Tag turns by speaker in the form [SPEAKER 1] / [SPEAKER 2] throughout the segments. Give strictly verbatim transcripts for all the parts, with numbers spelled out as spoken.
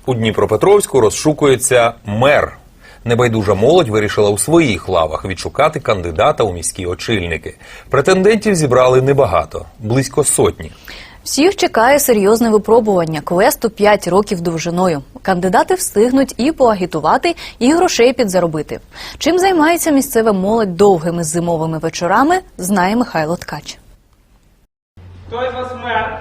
[SPEAKER 1] У Дніпропетровську розшукується мер. Небайдужа молодь вирішила у своїх лавах відшукати кандидата у міські очільники. Претендентів зібрали небагато – близько сотні.
[SPEAKER 2] Всіх чекає серйозне випробування квесту п'ять років довжиною. Кандидати встигнуть і поагітувати, і грошей підзаробити. Чим займається місцева молодь довгими зимовими вечорами, знає Михайло Ткач.
[SPEAKER 3] Хто із вас мер?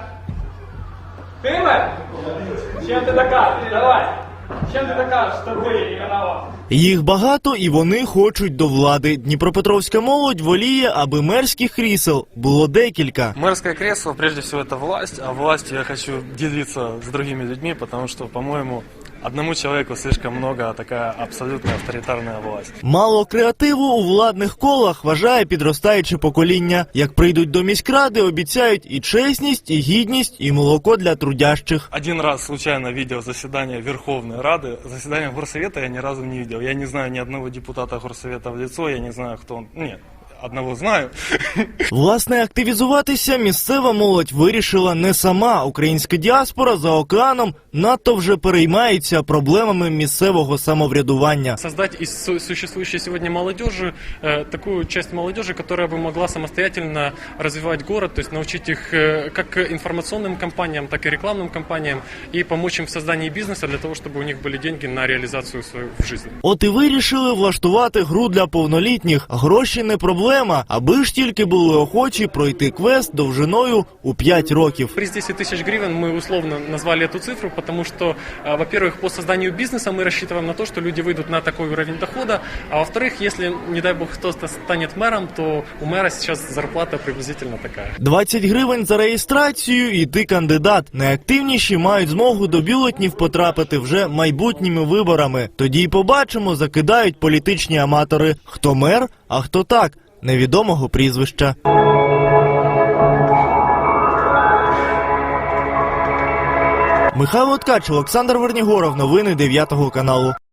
[SPEAKER 3] Ти мер? Чим ти докажеш? Давай. Чим ти докажеш, що ти не виноват?
[SPEAKER 4] Їх багато і вони хочуть до влади. Дніпропетровська молодь воліє, аби мерських крісел було декілька.
[SPEAKER 5] Мэрское кресло, прежде всего, это власть, а властью я хочу делиться с другими людьми, потому что, по-моему, одному человеку слишком много, а такая абсолютно авторитарная власть.
[SPEAKER 4] Мало креативу у владних колах, вважає підростаюче покоління. Як прийдуть до міськради, обіцяють і чесність, і гідність, і молоко для трудящих.
[SPEAKER 5] Один раз случайно видел заседание Верховной Рады, заседание Горсовета я ни разу не видел. Я не знаю ни одного депутата Горсовета в лицо, я не знаю, кто он. Нет. Одного знаю.
[SPEAKER 4] Власне, активізуватися місцева молодь вирішила не сама. Українська діаспора за океаном надто вже переймається проблемами місцевого самоврядування.
[SPEAKER 5] Создать из су- существующей сегодня молодежи э, такую часть молодежи, которая бы могла самостоятельно развивать город, то есть научить их э, как информационным кампаниям, так и рекламным кампаниям и помочь им в создании бизнеса для того, чтобы у них были деньги на реализацию свою в жизни.
[SPEAKER 4] От і вирішили влаштувати гру для повнолітніх. Гроші не проблема, аби ж тільки були охочі пройти квест довжиною у п'ять років.
[SPEAKER 5] Приз десять тысяч гривен мы условно назвали эту цифру, потому что, э, во-первых, по созданию бизнеса мы рассчитываем на то, что люди выйдут на такой уровень дохода, а во-вторых, если, не дай бог, кто-то станет мэром, то у мэра сейчас зарплата приблизительно такая.
[SPEAKER 4] двадцять гривень за реєстрацію і ти кандидат. Найактивніші мають змогу до бюлетнів потрапити вже майбутніми виборами. Тоді й побачимо, закидають політичні аматори. Хто мер, а хто так, невідомого прізвища. Михайло Ткач, Олександр Вернігоров. Новини дев'ятого каналу.